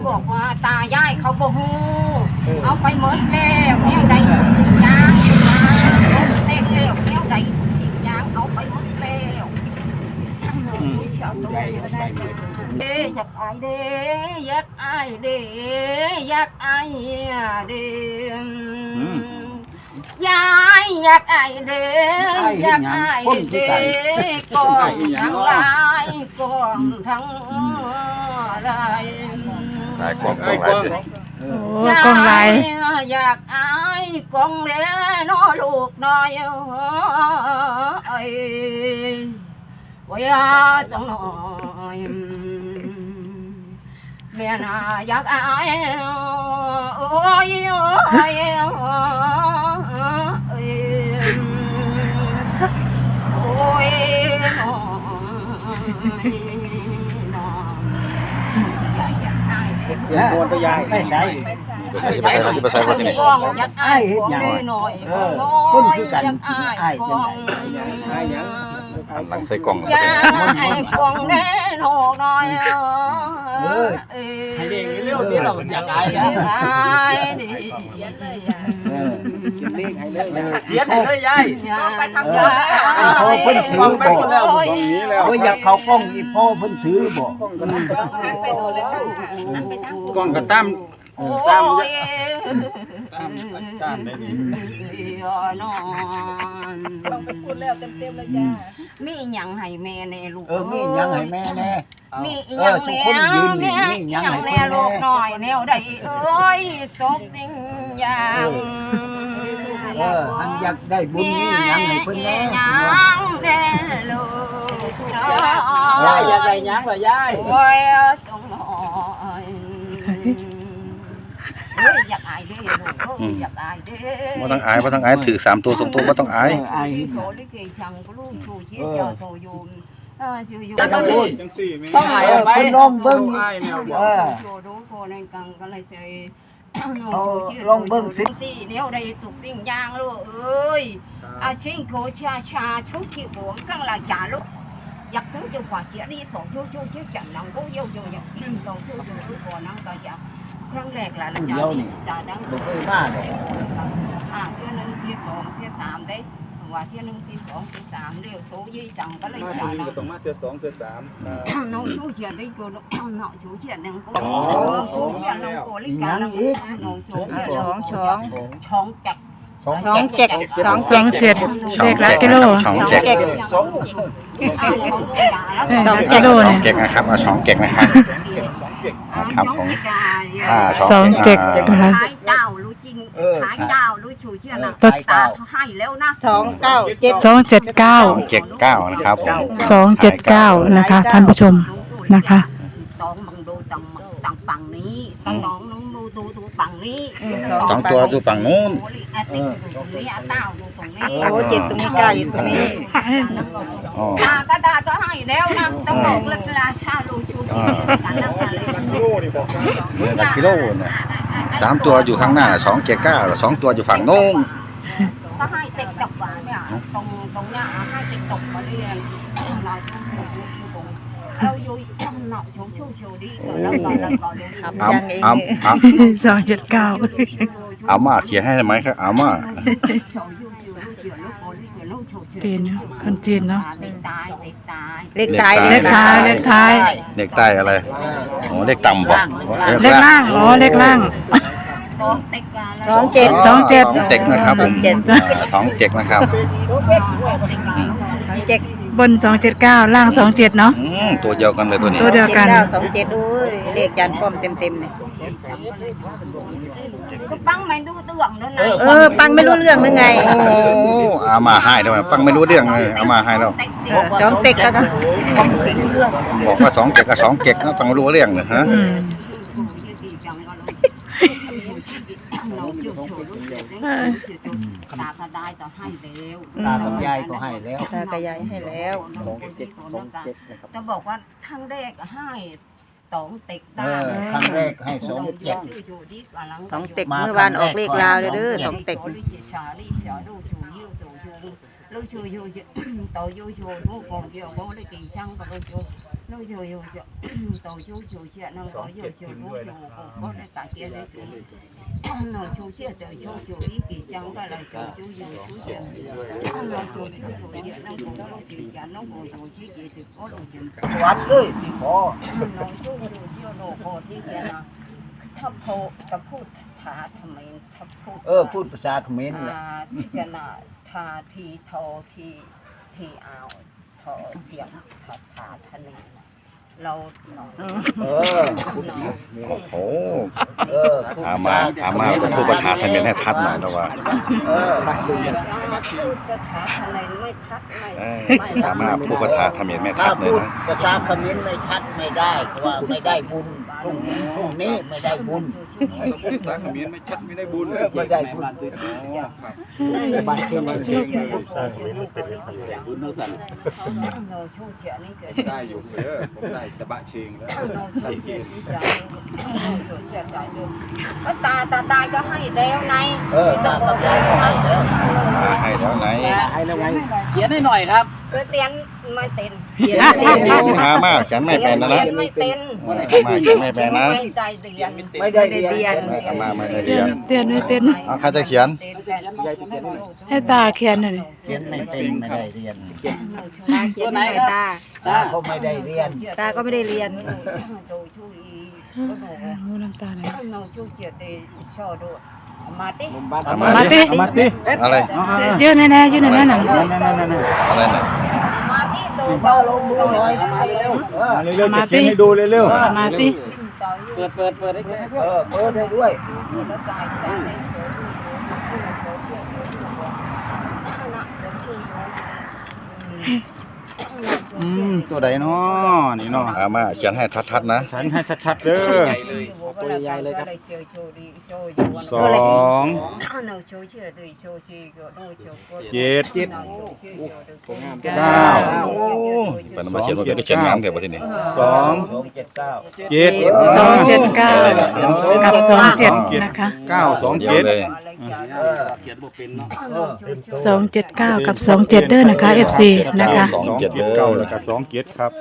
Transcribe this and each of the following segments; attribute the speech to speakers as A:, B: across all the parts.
A: บอกว่าตายายเขาบ่ฮู้เอาไปหมดแล้วแนวใดสิ่งยางเต็กแล้วแนวใดสิ่งยางเอาไปหมดแล้วเด้อยากอายเด้อยากอายเด้อยากอายเด้ยายอยากอายเด้อยากอายเด้กองทั้งหลายกองทั้งหลาย
B: กองหลาย
C: กองลาย
A: อยากอายกองเด้น้อลูกน้อยเอ้ยว่าจังหน่อยแม่น่าอยากอายโอ้ยโอ้ยโอ้ยน้อง
D: โดนไปยายไม่ใช่
B: ไปใส่ว่าที่นี่
A: อยากอายของหน่อย
D: คนคือกันอายจังได๋
B: หลังใส่กล่อง
A: อยากอายของแน่นอนหน่อย
D: ให้เด็กเร็วนี้เราอยากอายแล้ว
A: ดิ
D: กินเลขให้เลยเขียนให้เลยยาย
A: ไปทำงาน
D: พ่อเพิ่นถือบ่ตรงนี้แล้วอยากเข้ากล้องอีพ่อเพิ่นถือบ่
B: กล้องก็ตาม
A: ตาม
B: อาจารย์ได้นี่
A: ต้องไปพูดแล้วเต็มๆเลยจ้ามีหยังให้แม่แน่ลูก
D: มีหยังให้แม่แน่
A: มีหยังแน่แม่หยังแน่ลูกหน่อยแนวใดเอ้ยตกจริงอย่าง
D: อันอยากได้บุญมีหยังให้เพิ่นแน่
A: หยังแน่ลูก
D: ยายอยากได้หยังเหรอยาย
A: โอ้ยสงหน่อยอยากอายเด้ลูกอยากอายเด้
B: บ่ต้องอายบ่ต้องอายถือ3ตัว2ตัวบ่ต้องอาย
A: โตลิเกชังก็ลูกชูชีเจ้าโตยูนชื่ออยู่
D: จังซี่แม่ต้องอายไปลองเบิ่ง
A: โชว์ดูโคในกังก็เลยใจ
D: ลองเบิ่ง
A: สิแนวใดถูกสิ่งอย่างลูกเอ้ยอาชิงโคชาชุกขี้หัวกังละจ่าลูกอยากถึงจะกว่าเสียนี่สองชูจันนังก็เยี่ยวอย่างสองชูลูกก่อนนั่งก็จะครั้งแรกล่ะจ่าดัง
D: บ่เคยมาดอก
A: เที่ยนึงที่2ที่3ได้ว่าเที่ยนึงที่2ที่3เร็วโซยี่จังก็เลยจ่าดัง
B: ต้องมาเที่ย2เที่ย3
A: น้องชูเฉียนได้กูน้องชูเฉียนนึงก็น้องชูเฉียนน้องโกลิกาน้องชูช่องจัก
C: 2 7เลขละกิโล
B: 2 7
C: 2กิโลเนี่ย
B: เก็กนะครับเอา2เก็กนะครับครับผม
C: 2 7นะคะ
A: ขายเจ้ารู้จริงขายเจ้ารู้ชูเฉียนนะตาเขาให้แล้วนะ
C: 279
B: นะครับผม
C: 279นะคะท่านผู้ชมนะคะ
A: ตองบังดูตองฝั่งนี้ตองน้องดูฝั่งนี้
B: 2ตัวดูฝั่งนู้น
A: นี่เต้าดูตรงนี้
C: โอ้7ตรงนี้9อยู่ตรงนี้
A: กระดาษก็ให้แล้วนะต้องบอกราชาลูชูกันแล้วกันเลย
B: หลักกิโลเนี่ย3ตัวอยู่ข้างหน้า279 2ตัวอยู่ฝั่งโน้น
A: ก็ให้ติ๊กตกว่าเนี่ยตรงเนี้ยให้ติ๊กตกมาเรียนเราอยู่หนอกชูดีแล้วก็
B: 279เอามาเขียนให้ได้ไหมครับเอามา
C: จีนคนจีนเนาะ
A: เลข
C: ท้าย
B: เลขใต้อะไรโอ้เลขต่ำบ่
C: เลขล่างเลขล่าง
A: 27
C: เ
B: ต็กนะครับผม27นะครับ
C: บน279ล่าง27เนาะ
B: ตัวเดียวกันเลยตัวนี้
C: ตัวเดียวกัน
A: 27ด้วยเลขยันป้อมเต็มเนี่ยปังไม่รู้เรื่องนั่น
C: ปังไม่รู้เรื่องยังไง
B: เอามาให้ด้วยปังไม่รู้เรื่องเลยเอามาให้แล้ว
C: 2เต็กก็
B: บอกว่า2เต็กกับ2เต็กนะฟังรู้เรื่องเลยฮะ
A: ตาก็ได้ต่อให้แล้ว
D: ตากับยายก็ให้แล้ว
C: ตากับยายให้แล้ว
D: 27
A: จะบอกว่าทั้งแรกให้2เต็กได้
D: ครั้งแรกให้2เต็ก
C: 2เต็กเมื่อวานออกเลขลาวเด้อ2เต็ก
A: ลูกชูต่อยูชูลูกของเกี่ยวก็ได้กี่ช่างก็ลูกชู nó rồi rồi tổ chú chủ chuyện nó có rồi chủ bố chủ có đây cả kia đấy chủ nó chủ chuyện từ chủ ý kỳ chẳng phải là chủ chủ chuyện nó chủ chuyện nó cũng có chủ chuyện nó cũng chủ chuyện thì có đồ chuyện
D: วัดเลยที่ขอ
A: nó chủ chuyện nó cóที่kia là thắp hộกับพูดถาทำไมทับพูด
D: พูดภาษาเขมรแหละ
A: ที่กันน่ะทาทีโททีเอาโทเทียมถาทะเลเราหน่อย
B: โอ้โหถามมาจะพูดประธานทะเบียนให้ทัดหน่อยนะว่า
A: พูดก็ถาทะเลไม่ทัดไม่
B: ถามมาพูดประธานทะเบียนไม่ทั
D: ถ้า
B: ดเลย
D: พูด
B: นะ
D: ภาษาเขมรไม่ชัดไม่ได้เพราะว่าไม่ได้บุญพรุ่งนี้ไม่ได้บุญ
E: ภาษาเขมรไม่ชัดไม่ได้บุญ
D: ไม่ได้บุญ
A: บางทีมันชื่อ
E: บุญนั่นสั่น
A: เราชูเฉียนี่เกิด
E: ได้อยู่เด้อผมได้ตะบะเชงแล้ว
A: เราชูเฉียที่ใจเราชูเฉียใจดูก็ตาก็ให้เดียวใน
D: ตาก็ให้แล้ว
B: ให้แล้วไหน
D: ให้แล้วไง
F: เขียนให้หน่อยครับ
A: เตียนไม่เต็น
B: หามากฉันไม่เป็นนะนะ
A: ไม่เต็น
B: มาฉันไม่เป็นนะ
A: ไม่ได้เรียน
D: ไม่ได้เรียน
B: มาไม่ได้เรียน
C: เตียนไม่เตียน
B: เอาใครจะเขียน
C: ให้ตาเขียนหน่อย
D: เขียนไม่เป็นไม่ได้เรียน
F: ตัวไหนครับ
D: ตาก็ไม่ได้เรียน
C: ตาก็ไม่ได้เรียน
A: ดูช่วยก็ดู
C: มูน้ำตาไหน
A: เราช่วยเฉียดชอดูมาติ
C: มาติ
D: มาติ
B: อะไร
C: ยืนแน่ๆยืนแน่ๆหนัง
B: อะไรน่ะ
A: มาติดู
D: มาลงมือหน่อยเร็วเร็วจะเขียนให้ดูเร็ว
C: มาติ
F: เปิดให้แก
D: เปิดได้ด้วย
A: แล้วกายใจในโซ่
E: ตัวใดเนาะนี่เนาะ
B: หามาเขียนให้ทัดๆนะ
E: ฉันให้ชัดๆเด้อ
A: ตัวใหญ่เลยครับ
E: สอง
A: เจ็ด
E: เก้า
B: โอ้เป็นมาเขียนว่าเป็นเขียนงามเดี๋ยวประเทศนี้
E: สอง
D: 279
E: เจ็ด
C: 279กับ27นะคะ
E: เก้าสอง
B: เดี๋ยว
E: เจ็ด
B: เลย
F: เขียนบ่เป็นเนาะ
C: 279กับ27เด้อนะคะ FC นะคะ
B: สองเจ็ดเด้อ
E: เก้าแล้วก็สองเจ็ดครับ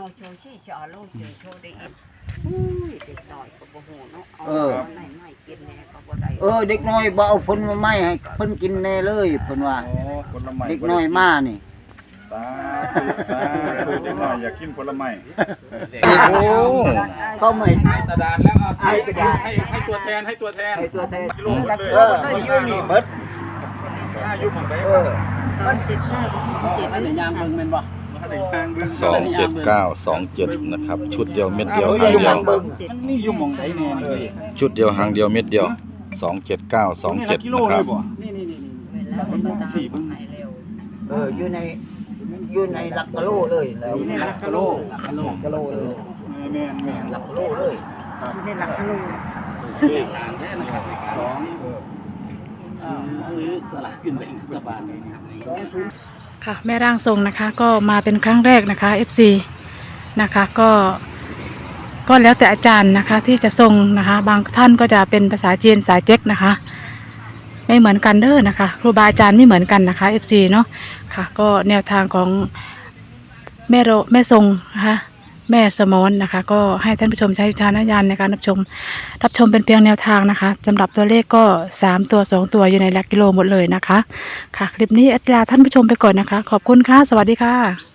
D: เด็กน้อยบ่เอาผลมาไม้ให้เพิ่นกินแน่เลยเพิ่นว่า
E: ผลไม้
D: เด็กน้อยมานี่
E: สาธุเด็กน้อยอยากกินผลไม้
B: โอ้
D: เขาไม่
E: กระดาษแล้วให้ตัวแทนให้ตัวแทน
D: ให้ตัวแทน
E: กิโลหมดเลย
D: มันอยู่นี่เบิด
E: ยุบผมไป
D: มัน
F: อันนี้ยางมึงเป็นบ่
B: 27927นะครับชุดเดียวเม็ดเดียว
D: อ
B: หาง
D: ยู่
B: เดียว
D: เบิ่ง
E: มันมีอยู่หม่องไหนแน่นี่
B: ชุดเดียวหางเดียวเม็ดเดียว27927นะครับ
D: อยู่ในหลักกิโลเลยแล้ว
F: หลักกิโล
D: กิโลเลย
E: แม่น
D: หลักกิโลเลย
F: เลขทางแท้นะครับสองซื้อสลากกินแบ่งรัฐบาล
C: ค่ะแม่ร่างทรงนะคะก็มาเป็นครั้งแรกนะคะ FC นะคะก็แล้วแต่อาจารย์นะคะที่จะทรงนะคะบางท่านก็จะเป็นภาษาจีนสายเจ๊กนะคะไม่เหมือนกันเด้อนะคะครูบาอาจารย์ไม่เหมือนกันนะคะ FC เนาะค่ะก็แนวทางของแม่ทรงนะคะแม่สมอนนะคะก็ให้ท่านผู้ชมใช้วิจารณญาณในการรับชมเป็นเพียงแนวทางนะคะสำหรับตัวเลขก็3ตัว2ตัวอยู่ในหลักกิโลหมดเลยนะคะค่ะคลิปนี้ลาท่านผู้ชมไปก่อนนะคะขอบคุณค่ะสวัสดีค่ะ